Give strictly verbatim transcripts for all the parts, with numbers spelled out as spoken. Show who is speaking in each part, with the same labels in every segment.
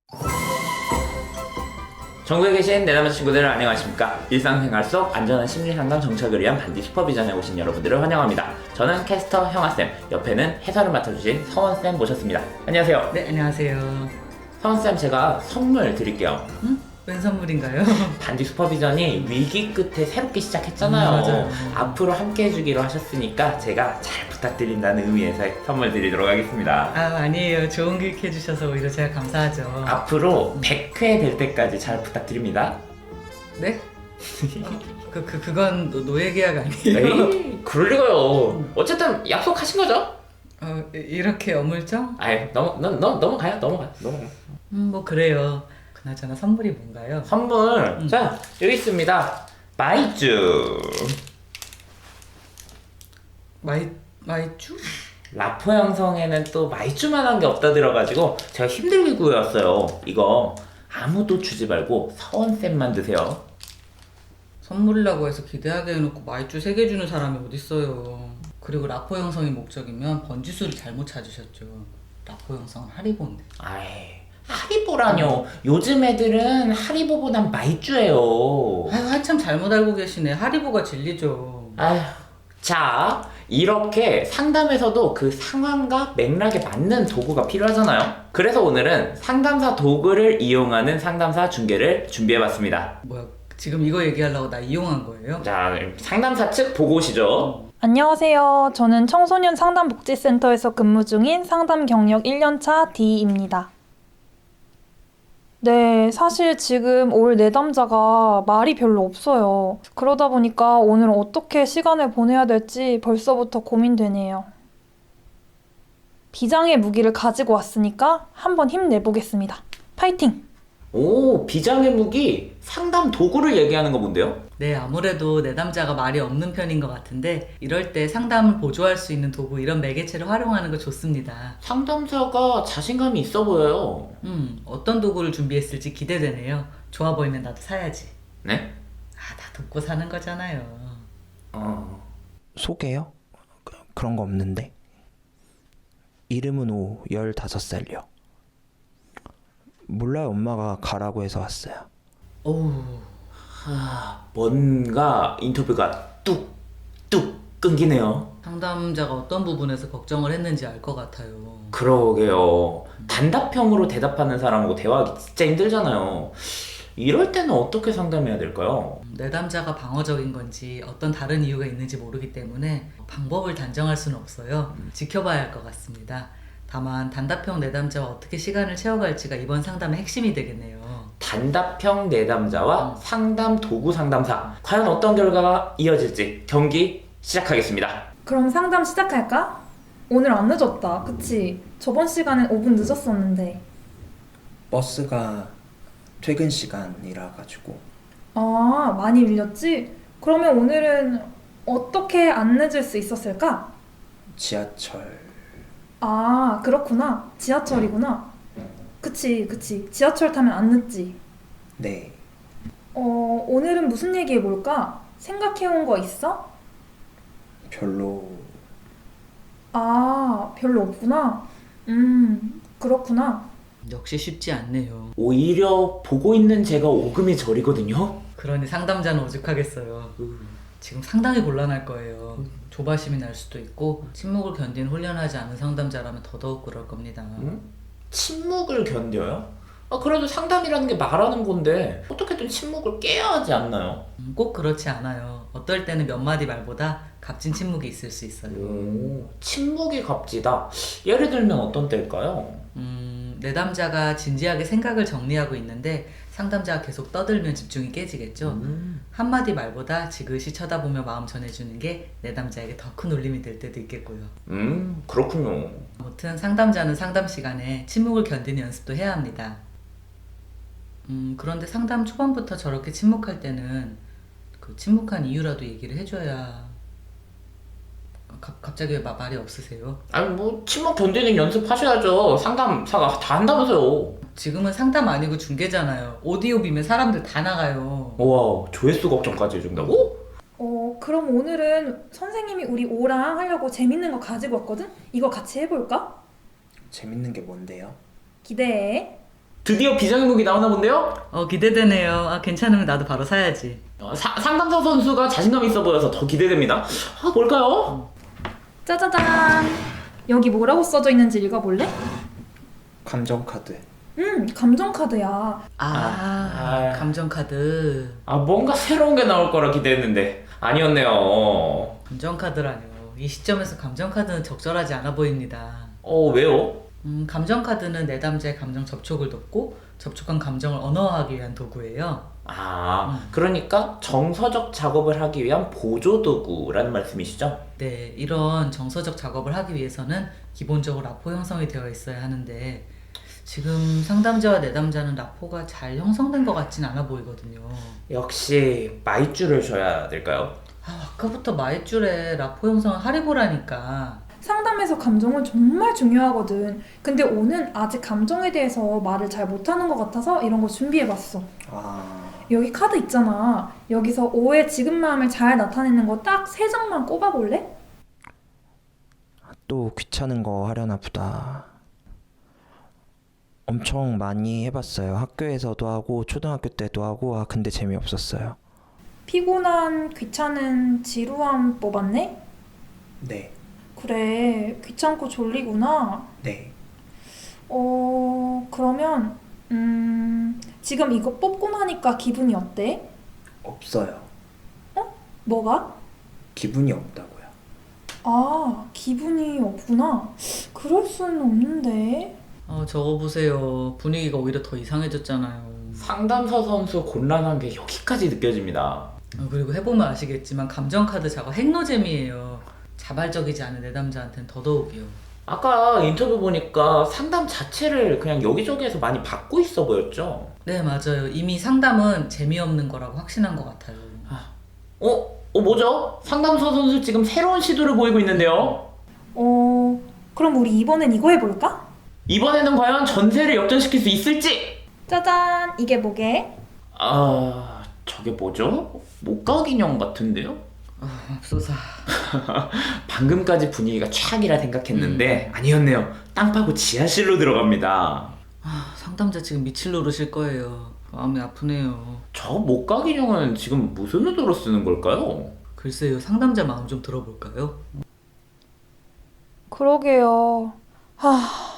Speaker 1: 전국에 계신 내 남자 친구들 안녕하십니까. 일상생활 속 안전한 심리상담 정착을 위한 반디 슈퍼비전에 오신 여러분들을 환영합니다. 저는 캐스터 형아쌤, 옆에는 해설을 맡아주신 서원쌤 모셨습니다. 안녕하세요.
Speaker 2: 네, 안녕하세요.
Speaker 1: 서원쌤, 제가 선물 드릴게요.
Speaker 2: 응? 웬 선물인가요?
Speaker 1: 반디 슈퍼비전이 위기 끝에 새롭게 시작했잖아요.
Speaker 2: 음, 맞아요.
Speaker 1: 앞으로 함께 해주기로 하셨으니까 제가 잘 부탁드린다는 의미에서 선물 드리도록 하겠습니다.
Speaker 2: 아, 아니에요. 좋은 교육 해주셔서 오히려 제가 감사하죠.
Speaker 1: 앞으로 백 회 될 때까지 잘 부탁드립니다.
Speaker 2: 네? 그, 그, 그건 노- 노예 계약 아니에요?
Speaker 1: 에이, 그럴 리가요. 어쨌든 약속하신 거죠?
Speaker 2: 어, 이- 이렇게 어물쩡?
Speaker 1: 아이, 넘어, 너, 너, 넘어가요, 넘어가요, 넘어가요.
Speaker 2: 음, 뭐 그래요. 그나저나 선물이 뭔가요?
Speaker 1: 선물,
Speaker 2: 음.
Speaker 1: 자, 여기 있습니다. 마이쮸.
Speaker 2: 마이, 마이쮸?
Speaker 1: 라포 형성에는 또 마이쮸만한 게 없다 들어가지고 제가 힘들게 구해왔어요. 이거 아무도 주지 말고 서원쌤만 드세요.
Speaker 2: 선물이라고 해서 기대하게 해놓고 마이쮸 세 개 주는 사람이 어딨어요. 그리고 라포 형성이 목적이면 번지수를 잘못 찾으셨죠. 라포 형성은 하리보인데.
Speaker 1: 아이, 하리보라뇨. 요즘 애들은 하리보보단 마이쮸예요.
Speaker 2: 아유, 한참 잘못 알고 계시네. 하리보가 진리죠.
Speaker 1: 아휴, 자, 이렇게 상담에서도 그 상황과 맥락에 맞는 도구가 필요하잖아요. 그래서 오늘은 상담사 도구를 이용하는 상담사 중계를 준비해봤습니다.
Speaker 2: 뭐야, 지금 이거 얘기하려고 나 이용한 거예요?
Speaker 1: 자, 상담사 측 보고 오시죠.
Speaker 3: 안녕하세요. 저는 청소년 상담복지센터에서 근무 중인 상담 경력 일 년차 D입니다. 네, 사실 지금 올 내담자가 말이 별로 없어요. 그러다 보니까 오늘 어떻게 시간을 보내야 될지 벌써부터 고민되네요. 비장의 무기를 가지고 왔으니까 한번 힘내보겠습니다. 파이팅!
Speaker 1: 오, 비장의 무기 상담 도구를 얘기하는 거 뭔데요?
Speaker 2: 네, 아무래도 내담자가 말이 없는 편인 것 같은데 이럴 때 상담을 보조할 수 있는 도구 이런 매개체를 활용하는 거 좋습니다.
Speaker 1: 상담사가 자신감이 있어 보여요.
Speaker 2: 음, 어떤 도구를 준비했을지 기대되네요. 좋아 보이면 나도 사야지.
Speaker 1: 네?
Speaker 2: 아, 다 돕고 사는 거잖아요.
Speaker 1: 어...
Speaker 4: 소개요? 그, 그런 거 없는데. 이름은 오, 열다섯 살요. 몰라요, 엄마가 가라고 해서 왔어요.
Speaker 2: 오우,
Speaker 1: 하... 뭔가 인터뷰가 뚝뚝 끊기네요.
Speaker 2: 상담자가 어떤 부분에서 걱정을 했는지 알 것 같아요.
Speaker 1: 그러게요. 단답형으로 대답하는 사람하고 대화하기 진짜 힘들잖아요. 이럴 때는 어떻게 상담해야 될까요?
Speaker 2: 내담자가 방어적인 건지 어떤 다른 이유가 있는지 모르기 때문에 방법을 단정할 수는 없어요. 지켜봐야 할 것 같습니다. 다만 단답형 내담자와 어떻게 시간을 채워갈지가 이번 상담의 핵심이 되겠네요.
Speaker 1: 단답형 내담자와 상담 도구 상담사. 과연 어떤 결과가 이어질지 경기 시작하겠습니다.
Speaker 3: 그럼 상담 시작할까? 오늘 안 늦었다, 그치? 저번 시간엔 오 분 늦었었는데.
Speaker 4: 버스가 퇴근 시간이라 가지고.
Speaker 3: 아, 많이 밀렸지? 그러면 오늘은 어떻게 안 늦을 수 있었을까?
Speaker 4: 지하철.
Speaker 3: 아, 그렇구나. 지하철이구나. 그치, 그치. 지하철 타면 안 늦지.
Speaker 4: 네.
Speaker 3: 어, 오늘은 무슨 얘기해볼까? 생각해온 거 있어?
Speaker 4: 별로.
Speaker 3: 아, 별로 없구나. 음, 그렇구나.
Speaker 2: 역시 쉽지 않네요.
Speaker 1: 오히려 보고 있는 제가 오금이 저리거든요.
Speaker 2: 그러니 상담자는 오죽하겠어요. 지금 상당히 곤란할 거예요. 조바심이 날 수도 있고 침묵을 견디는 훈련하지 않은 상담자라면 더더욱 그럴 겁니다.
Speaker 1: 음? 침묵을 견뎌요? 아, 그래도 상담이라는 게 말하는 건데 어떻게든 침묵을 깨야 하지 않나요?
Speaker 2: 음, 꼭 그렇지 않아요. 어떨 때는 몇 마디 말보다 값진 침묵이 있을 수 있어요.
Speaker 1: 오, 침묵이 값지다. 예를 들면 어떤 때일까요?
Speaker 2: 음, 내담자가 진지하게 생각을 정리하고 있는데 상담자가 계속 떠들면 집중이 깨지겠죠.
Speaker 1: 음.
Speaker 2: 한마디 말보다 지그시 쳐다보며 마음 전해주는 게 내담자에게 더 큰 울림이 될 때도 있겠고요.
Speaker 1: 음, 그렇군요.
Speaker 2: 아무튼 상담자는 상담 시간에 침묵을 견디는 연습도 해야 합니다. 음, 그런데 상담 초반부터 저렇게 침묵할 때는 그 침묵한 이유라도 얘기를 해줘야. 가, 갑자기 왜 마- 말이 없으세요?
Speaker 1: 아니 뭐 침묵 견디는 연습하셔야죠. 상담사가 다 한다면서요.
Speaker 2: 지금은 상담 아니고 중계잖아요. 오디오 비면 사람들 다 나가요.
Speaker 1: 우와, 조회수 걱정까지 해준다고?
Speaker 3: 어, 그럼 오늘은 선생님이 우리 오랑 하려고 재밌는 거 가지고 왔거든? 이거 같이 해볼까?
Speaker 4: 재밌는 게 뭔데요?
Speaker 3: 기대해.
Speaker 1: 드디어 비장의 무기 나오나 본데요?
Speaker 2: 어, 기대되네요. 아, 괜찮으면 나도 바로 사야지.
Speaker 1: 어, 사, 상담사 선수가 자신감 있어 보여서 더 기대됩니다. 아, 뭘까요?
Speaker 3: 짜자잔. 여기 뭐라고 써져 있는지 읽어볼래?
Speaker 4: 감정카드.
Speaker 3: 음, 감정카드야.
Speaker 2: 아,
Speaker 1: 아.
Speaker 2: 감정카드.
Speaker 1: 아, 뭔가 새로운 게 나올 거라 기대했는데 아니었네요.
Speaker 2: 감정카드라뇨. 이 시점에서 감정카드는 적절하지 않아 보입니다.
Speaker 1: 어, 왜요?
Speaker 2: 음, 감정카드는 내담자의 감정 접촉을 돕고 접촉한 감정을 언어화하기 위한 도구예요.
Speaker 1: 아,
Speaker 2: 음.
Speaker 1: 그러니까 정서적 작업을 하기 위한 보조도구라는 말씀이시죠?
Speaker 2: 네, 이런 정서적 작업을 하기 위해서는 기본적으로 라포 형성이 되어 있어야 하는데 지금 상담자와 내담자는 라포가 잘 형성된 것 같진 않아 보이거든요.
Speaker 1: 역시 마이쮸를 줘야 될까요?
Speaker 2: 아, 아까부터 마이줄에 라포 형성을 하리보라니까.
Speaker 3: 상담에서 감정은 정말 중요하거든. 근데 오는 아직 감정에 대해서 말을 잘 못하는 것 같아서 이런 거 준비해봤어.
Speaker 4: 아,
Speaker 3: 여기 카드 있잖아. 여기서 오의 지금 마음을 잘 나타내는 거 딱 세 장만 꼽아볼래?
Speaker 5: 또 귀찮은 거 하려나 보다. 엄청 많이 해봤어요. 학교에서도 하고 초등학교 때도 하고. 아 근데 재미없었어요.
Speaker 3: 피곤한, 귀찮은, 지루함 뽑았네?
Speaker 4: 네,
Speaker 3: 그래, 귀찮고 졸리구나.
Speaker 4: 네.
Speaker 3: 어, 그러면 음, 지금 이거 뽑고 나니까 기분이 어때?
Speaker 4: 없어요.
Speaker 3: 뭐가?
Speaker 4: 기분이 없다고요.
Speaker 3: 아, 기분이 없구나. 그럴 수는 없는데.
Speaker 2: 어, 저거 보세요. 분위기가 오히려 더 이상해졌잖아요.
Speaker 1: 상담사 선수 곤란한 게 여기까지 느껴집니다.
Speaker 2: 어, 그리고 해보면 아시겠지만 감정카드 작업 핵노잼이에요. 자발적이지 않은 내담자한테는 더더욱이요.
Speaker 1: 아까 인터뷰 보니까 상담 자체를 그냥 여기저기에서 많이 받고 있어 보였죠?
Speaker 2: 네, 맞아요. 이미 상담은 재미없는 거라고 확신한 것 같아요.
Speaker 1: 어? 어, 뭐죠? 상담사 선수 지금 새로운 시도를 보이고 있는데요?
Speaker 3: 어, 그럼 우리 이번엔 이거 해볼까?
Speaker 1: 이번에는 과연 전세를 역전시킬 수 있을지?
Speaker 3: 짜잔, 이게 뭐게?
Speaker 1: 아, 저게 뭐죠? 목각 인형 같은데요?
Speaker 2: 아, 맙소사.
Speaker 1: 방금까지 분위기가 최악이라 생각했는데 아니었네요. 땅 파고 지하실로 들어갑니다.
Speaker 2: 아, 상담자 지금 미칠 노릇일 거예요. 마음이 아프네요.
Speaker 1: 저 목각 인형은 지금 무슨 의도로 쓰는 걸까요?
Speaker 2: 글쎄요, 상담자 마음 좀 들어볼까요?
Speaker 3: 그러게요. 하...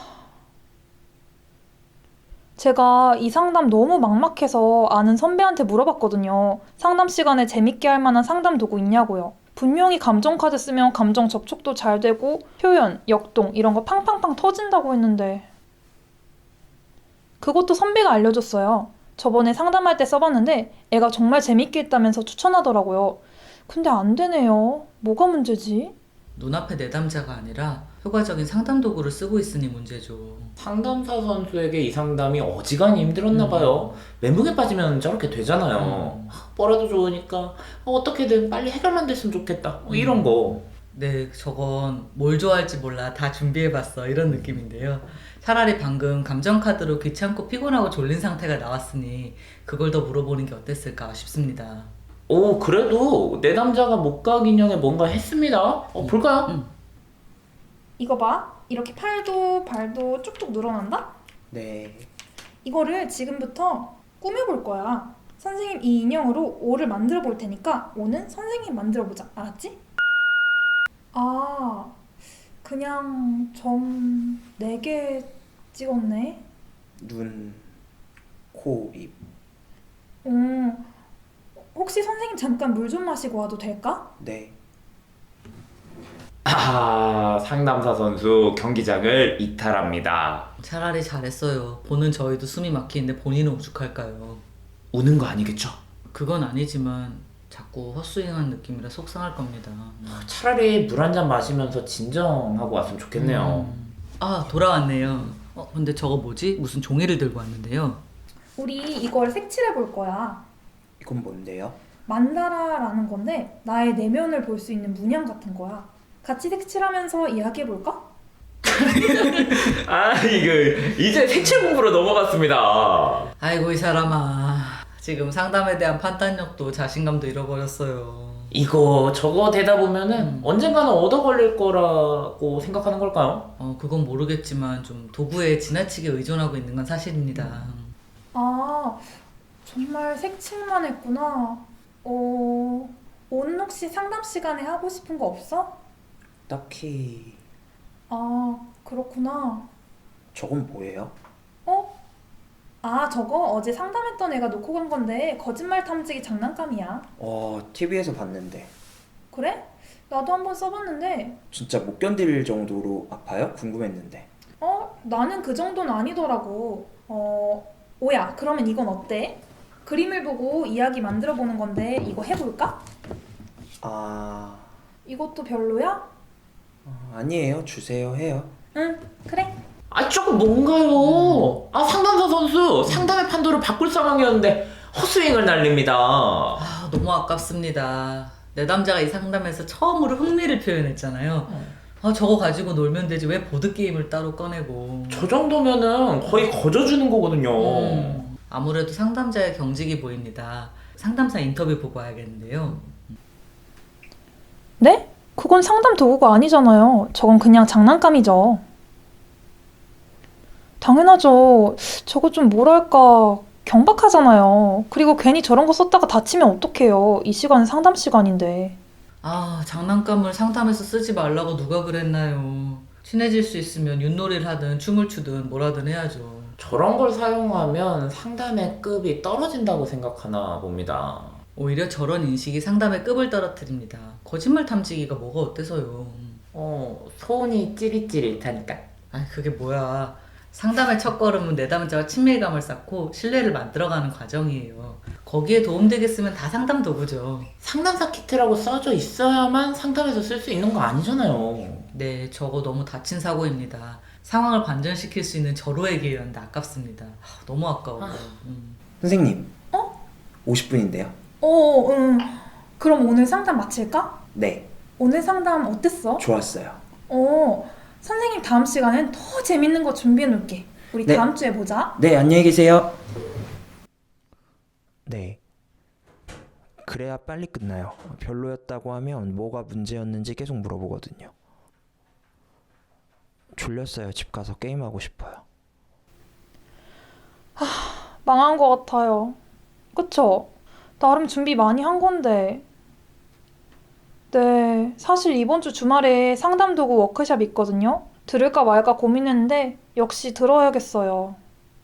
Speaker 3: 제가 이 상담 너무 막막해서 아는 선배한테 물어봤거든요. 상담 시간에 재밌게 할 만한 상담 도구 있냐고요. 분명히 감정카드 쓰면 감정 접촉도 잘 되고 표현, 역동 이런 거 팡팡팡 터진다고 했는데 그것도 선배가 알려줬어요. 저번에 상담할 때 써봤는데 애가 정말 재밌게 했다면서 추천하더라고요. 근데 안 되네요. 뭐가 문제지?
Speaker 2: 눈앞에 내담자가 아니라 효과적인 상담 도구를 쓰고 있으니 문제죠.
Speaker 1: 상담사 선수에게 이 상담이 어지간히 힘들었나
Speaker 2: 음.
Speaker 1: 봐요. 멘붕에 빠지면 저렇게 되잖아요.
Speaker 2: 음.
Speaker 1: 뭐라도 좋으니까 어떻게든 빨리 해결만 됐으면 좋겠다. 뭐 이런 거.
Speaker 2: 네, 저건 뭘 좋아할지 몰라 다 준비해봤어 이런 느낌인데요. 차라리 방금 감정카드로 귀찮고 피곤하고 졸린 상태가 나왔으니 그걸 더 물어보는 게 어땠을까 싶습니다.
Speaker 1: 오, 그래도 내 남자가 목각 인형에 뭔가 했습니다. 어, 볼까요?
Speaker 2: 음.
Speaker 3: 이거 봐. 이렇게 팔도 발도 쭉쭉 늘어난다?
Speaker 4: 네,
Speaker 3: 이거를 지금부터 꾸며볼 거야. 선생님 이 인형으로 오를 만들어 볼 테니까 오는 선생님 만들어 보자. 알았지? 아, 그냥 점 네 개 찍었네.
Speaker 4: 눈, 코, 입.
Speaker 3: 음, 혹시 선생님 잠깐 물 좀 마시고 와도 될까?
Speaker 4: 네,
Speaker 1: 아, 상담사 선수 경기장을 이탈합니다.
Speaker 2: 차라리 잘했어요. 보는 저희도 숨이 막히는데 본인은 오죽할까요?
Speaker 1: 우는 거 아니겠죠?
Speaker 2: 그건 아니지만 자꾸 헛스윙한 느낌이라 속상할 겁니다.
Speaker 1: 차라리 물 한 잔 마시면서 진정하고 왔으면 좋겠네요.
Speaker 2: 음. 아, 돌아왔네요. 어, 근데 저거 뭐지? 무슨 종이를 들고 왔는데요.
Speaker 3: 우리 이걸 색칠해 볼 거야.
Speaker 4: 이건 뭔데요?
Speaker 3: 만다라라는 건데 나의 내면을 볼 수 있는 문양 같은 거야. 같이 색칠하면서 이야기해 볼까?
Speaker 1: 아, 이거 이제 색칠 공부로 넘어갔습니다.
Speaker 2: 아이고 이 사람아. 지금 상담에 대한 판단력도 자신감도 잃어버렸어요.
Speaker 1: 이거 저거 되다 보면은
Speaker 2: 음.
Speaker 1: 언젠가는 얻어 걸릴 거라고 생각하는 걸까요?
Speaker 2: 어, 그건 모르겠지만 좀 도구에 지나치게 의존하고 있는 건 사실입니다.
Speaker 3: 아, 정말 색칠만 했구나. 어, 오늘 혹시 상담 시간에 하고 싶은 거 없어?
Speaker 4: 딱히
Speaker 3: 아, 그렇구나.
Speaker 4: 저건 뭐예요?
Speaker 3: 어? 아, 저거 어제 상담했던 애가 놓고 간 건데 거짓말 탐지기 장난감이야.
Speaker 4: 어, 티비에서 봤는데
Speaker 3: 그래? 나도 한번 써봤는데
Speaker 4: 진짜 못 견딜 정도로 아파요? 궁금했는데.
Speaker 3: 어? 나는 그 정도는 아니더라고. 어, 오야, 그러면 이건 어때? 그림을 보고 이야기 만들어 보는 건데 이거 해볼까?
Speaker 4: 아,
Speaker 3: 이것도 별로야?
Speaker 4: 어, 아니에요. 주세요. 해요.
Speaker 3: 응, 그래.
Speaker 1: 아 조금 뭔가요? 아 상담사 선수 상담의 판도를 바꿀 상황이었는데 헛스윙을 날립니다.
Speaker 2: 아, 너무 아깝습니다. 내담자가 이 상담에서 처음으로 흥미를 표현했잖아요. 아, 저거 가지고 놀면 되지 왜 보드게임을 따로 꺼내고.
Speaker 1: 저 정도면은 거의 거저주는 거거든요.
Speaker 2: 음, 아무래도 상담자의 경직이 보입니다. 상담사 인터뷰 보고 와야겠는데요.
Speaker 3: 네? 그건 상담 도구가 아니잖아요. 저건 그냥 장난감이죠. 당연하죠. 저거 좀 뭐랄까 경박하잖아요. 그리고 괜히 저런 거 썼다가 다치면 어떡해요. 이 시간은 상담 시간인데.
Speaker 2: 아, 장난감을 상담에서 쓰지 말라고 누가 그랬나요? 친해질 수 있으면 윷놀이를 하든 춤을 추든 뭐라든 해야죠.
Speaker 1: 저런 걸 사용하면 상담의 급이 떨어진다고 생각하나 봅니다.
Speaker 2: 오히려 저런 인식이 상담의 급을 떨어뜨립니다. 거짓말 탐지기가 뭐가 어때서요?
Speaker 1: 어 손이 찌릿찌릿하니까.
Speaker 2: 아, 그게 뭐야. 상담의 첫걸음은 내담자와 친밀감을 쌓고 신뢰를 만들어가는 과정이에요. 거기에 도움되겠으면 다 상담 도구죠.
Speaker 1: 상담사 키트라고 써져 있어야만 상담에서 쓸 수 있는 거 아니잖아요.
Speaker 2: 네, 저거 너무 다친 사고입니다. 상황을 반전시킬 수 있는 절호의 기회였는데 아깝습니다. 아, 너무 아까워요. 음.
Speaker 4: 선생님.
Speaker 3: 어?
Speaker 4: 오십 분인데요.
Speaker 3: 어, 응. 그럼 오늘 상담 마칠까?
Speaker 4: 네,
Speaker 3: 오늘 상담 어땠어?
Speaker 4: 좋았어요.
Speaker 3: 어, 선생님 다음 시간엔 더 재밌는 거 준비해 놓을게. 우리
Speaker 4: 네.
Speaker 3: 다음 주에 보자.
Speaker 4: 네, 안녕히 계세요.
Speaker 5: 네. 그래야 빨리 끝나요. 별로였다고 하면 뭐가 문제였는지 계속 물어보거든요. 졸렸어요. 집 가서 게임하고 싶어요.
Speaker 3: 망한 것 같아요. 그쵸? 나름 준비 많이 한 건데. 네, 사실 이번 주 주말에 상담 도구 워크숍 있거든요. 들을까 말까 고민했는데 역시 들어야겠어요.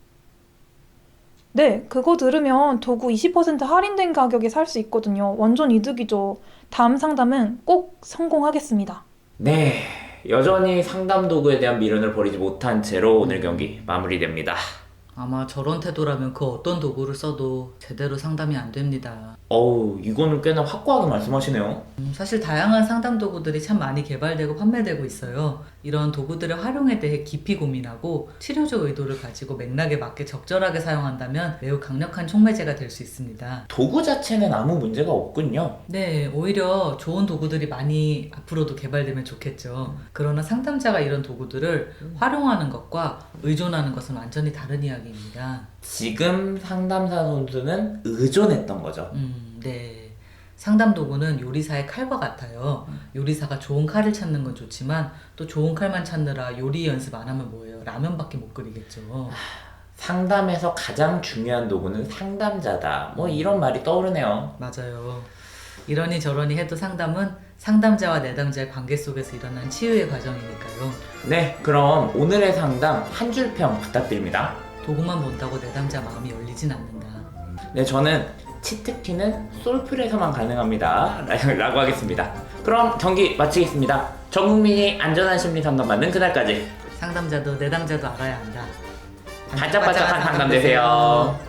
Speaker 3: 네, 그거 들으면 도구 이십 퍼센트 할인된 가격에 살 수 있거든요. 완전 이득이죠. 다음 상담은 꼭 성공하겠습니다.
Speaker 1: 네, 여전히 상담 도구에 대한 미련을 버리지 못한 채로 오늘 경기 마무리됩니다.
Speaker 2: 아마 저런 태도라면 그 어떤 도구를 써도 제대로 상담이 안 됩니다.
Speaker 1: 어우, 이거는 꽤나 확고하게 말씀하시네요.
Speaker 2: 음, 사실 다양한 상담 도구들이 참 많이 개발되고 판매되고 있어요. 이런 도구들의 활용에 대해 깊이 고민하고 치료적 의도를 가지고 맥락에 맞게 적절하게 사용한다면 매우 강력한 촉매제가 될 수 있습니다.
Speaker 1: 도구 자체는 아무 문제가 없군요.
Speaker 2: 네, 오히려 좋은 도구들이 많이 앞으로도 개발되면 좋겠죠. 그러나 상담자가 이런 도구들을 활용하는 것과 의존하는 것은 완전히 다른 이야기입니다.
Speaker 1: 지금 상담사 선수는 의존했던 거죠.
Speaker 2: 음, 네. 상담 도구는 요리사의 칼과 같아요. 요리사가 좋은 칼을 찾는 건 좋지만 또 좋은 칼만 찾느라 요리 연습 안 하면 뭐예요? 라면밖에 못 끓이겠죠.
Speaker 1: 상담에서 가장 중요한 도구는 상담자다. 뭐 이런 말이 떠오르네요.
Speaker 2: 맞아요. 이러니 저러니 해도 상담은 상담자와 내담자의 관계 속에서 일어난 치유의 과정이니까요.
Speaker 1: 네, 그럼 오늘의 상담 한 줄 평 부탁드립니다.
Speaker 2: 도구만 본다고 내담자 마음이 열리진 않는다.
Speaker 1: 네, 저는 치트키는 솔플에서만 가능합니다. 라고 하겠습니다. 그럼 경기 마치겠습니다. 전 국민이 안전한 심리 상담 받는 그날까지
Speaker 2: 상담자도 내담자도 알아야 한다.
Speaker 1: 반짝반짝한 상담 되세요.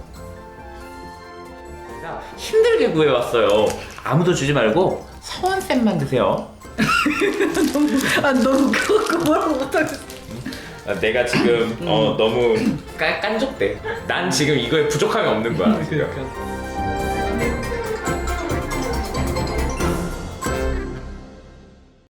Speaker 1: 힘들게 구해왔어요. 아무도 주지 말고 서원쌤만 드세요.
Speaker 2: 아, 너무 그거 뭐라고 못하겠어.
Speaker 1: 내가 지금 어, 너무 깐, 깐족돼. 난 지금 이거에 부족함이 없는 거야. 지금.
Speaker 2: 그러니까.